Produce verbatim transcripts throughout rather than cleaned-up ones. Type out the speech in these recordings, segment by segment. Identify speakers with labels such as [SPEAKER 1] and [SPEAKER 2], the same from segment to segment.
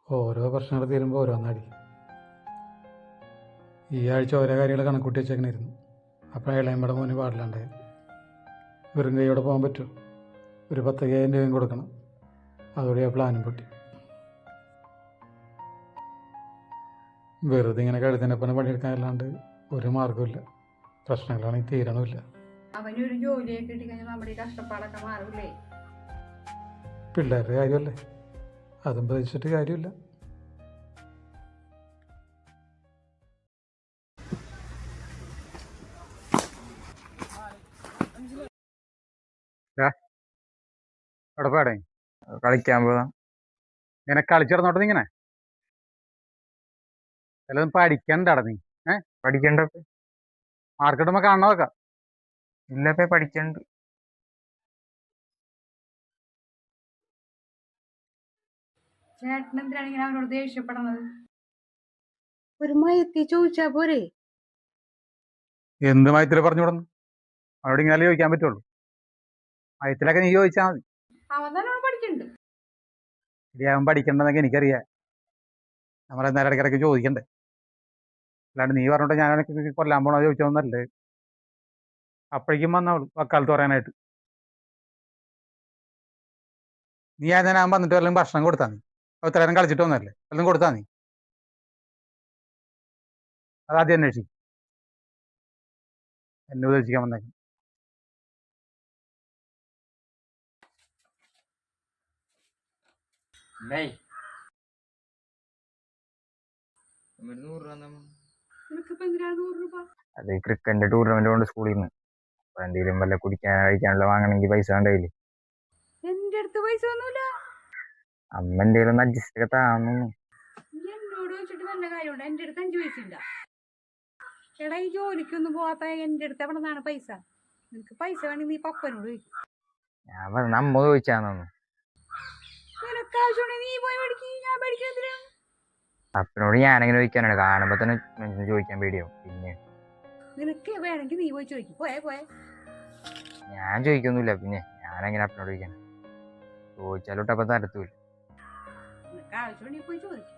[SPEAKER 1] ഓരോ പ്രശ്നങ്ങൾ തീരുമ്പോൾ ഓരോന്നടി. ഈ ആഴ്ച ഓരോ കാര്യങ്ങൾ കണക്കൂട്ടി വെച്ചേക്കണായിരുന്നു. അപ്പോൾ ഇളയമ്പട മോന് പാടില്ലാണ്ടായത്. വെറും കൈയോടെ പോകാൻ പറ്റുമോ? ഒരു പത്തയ്യായിരം രൂപയും കൊടുക്കണം. അതോടെ ആ പ്ലാനും പൊട്ടി. വെറുതെ ഇങ്ങനെ കഴുതിനെപ്പനെ പണിയെടുക്കാനല്ലാണ്ട് ഒരു മാർഗമില്ല. പ്രശ്നങ്ങളാണെങ്കിൽ തീരണമില്ല.
[SPEAKER 2] അവനൊരു ജോലിയൊക്കെ കിട്ടിക്കഴിഞ്ഞാൽ നമ്മുടെ ഈ കഷ്ടപ്പാടൊക്കെ മാറൂലേ?
[SPEAKER 1] പിള്ളേരുടെ കാര്യമല്ലേ, അതും പ്രതീക്ഷിച്ചിട്ട് കാര്യമില്ല. എവിടെ പോടേ?
[SPEAKER 3] കളിക്കാൻ പോവാ.
[SPEAKER 1] ഇങ്ങനെ കളിച്ചിടന്നോട്ടെ. ഇങ്ങനെ ചിലതും പഠിക്കണ്ടട നീ. ഏഹ്
[SPEAKER 3] പഠിക്കണ്ട
[SPEAKER 1] മാർക്കിടുമ്പോ കാണണതൊക്കെ.
[SPEAKER 3] ഇല്ലപ്പേ പഠിക്കണ്ട്.
[SPEAKER 2] ചേട്ടൻ എന്തിനാണ് ഇങ്ങനെ അവനോട് ദേഷ്യപ്പെടുന്നത്? ഒരു മയത്തി ചോദിച്ചാ പോരെ?
[SPEAKER 1] എന്ത് മയത്തില് പറഞ്ഞു വിടുന്നു? അവരോട് ഇങ്ങനെ ചോദിക്കാൻ പറ്റുള്ളൂ. മയത്തിലൊക്കെ നീ ചോദിച്ചാൽ മതി.
[SPEAKER 2] അവൻ നല്ലോണം പഠിക്കണ്ട്.
[SPEAKER 1] ഇനി അവൻ പഠിക്കണ്ടെന്നൊക്കെ എനിക്കറിയാം. നമ്മളെ നേരെ ഇടയ്ക്കിടയ്ക്ക് ചോദിക്കണ്ടേ? അല്ലാണ്ട് നീ പറഞ്ഞോട്ട് ഞാനൊക്കെ കൊല്ലാൻ പോണോ ചോദിച്ചോന്നല്ലേ. അപ്പോഴേക്കും വന്നവള് വക്കാലത്ത് പറയാനായിട്ട്. നീ ആ ഞാൻ വന്നിട്ട് വല്ലതും ഭക്ഷണം കൊടുത്താ നീ? ഇത്ര നേരം കളിച്ചിട്ട് വന്നല്ലേ, വല്ലതും കൊടുത്താ നീ? അതാദ്യം അന്വേഷിക്കും. എന്നെ ഉപദേശിക്കാൻ വന്നേക്കും.
[SPEAKER 3] അത് ക്രിക്കറ്റിന്റെ ടൂർണമെന്റ് കൊണ്ട് സ്കൂളിൽ നിന്ന് അപ്പൊ എന്തെങ്കിലും വല്ല കുടിക്കാൻ കഴിക്കാനുള്ള വാങ്ങണമെങ്കിൽ പൈസ ഉണ്ടായില്ലേ?
[SPEAKER 2] എന്റെ അടുത്ത് പൈസ ഒന്നുമില്ല.
[SPEAKER 3] അമ്മ എന്തെങ്കിലും ഒന്ന് അഡ്ജസ്റ്റ് ഒക്കെ താന്നു.
[SPEAKER 2] എന്നോട് ചോദിച്ചിട്ട് നല്ല കാര്യമുണ്ട്. എന്റെ അടുത്ത് അഞ്ചു പൈസ ഇല്ല. എടാ, ഈ ജോലിക്കൊന്നും പോവാത്ത എന്റെ അടുത്ത് എവിടെ നിന്നാണ് പൈസ? നിനക്ക് പൈസ വേണമെങ്കിൽ നീ പപ്പനോട് ചോദിക്കും.
[SPEAKER 3] ഞാൻ പറഞ്ഞ അമ്മ ചോദിച്ചാന്നു.
[SPEAKER 2] നിനക്ക് ആവശ്യമുണ്ടെങ്കിൽ നീ പോയി മേടിക്കും. ഞാൻ മേടിക്കുന്നതിന്
[SPEAKER 3] അപ്പനോട് ഞാനെങ്ങനെ ചോദിക്കാനാണ്? കാണുമ്പോ തന്നെ ചോദിക്കാൻ പേടിയാവും. പിന്നെ
[SPEAKER 2] നിനക്ക് വേണമെങ്കിൽ നീ പോയി ചോദിക്കും. പോയേ പോയേ.
[SPEAKER 3] ഞാൻ ചോദിക്കൊന്നുമില്ല. പിന്നെ ഞാനെങ്ങനെ അപ്പനോട് ചോദിക്കാൻ? ചോദിച്ചാലോട്ട് അപ്പൊ തരത്തൂല്ല.
[SPEAKER 2] നിനക്ക് ആവശ്യമുണ്ടെങ്കിൽ പോയി ചോദിക്കും.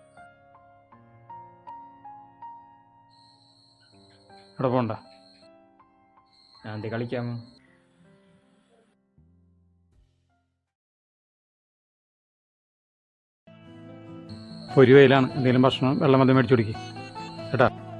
[SPEAKER 1] ഇവിടെ പോണ്ട.
[SPEAKER 4] ഞാൻ എന്ത് കളിക്കാമോ?
[SPEAKER 1] ഒരു വെയിലാണ്. എന്തെങ്കിലും ഭക്ഷണം വെള്ളം മതി മേടിച്ചു കുടിക്കും കേട്ടാ.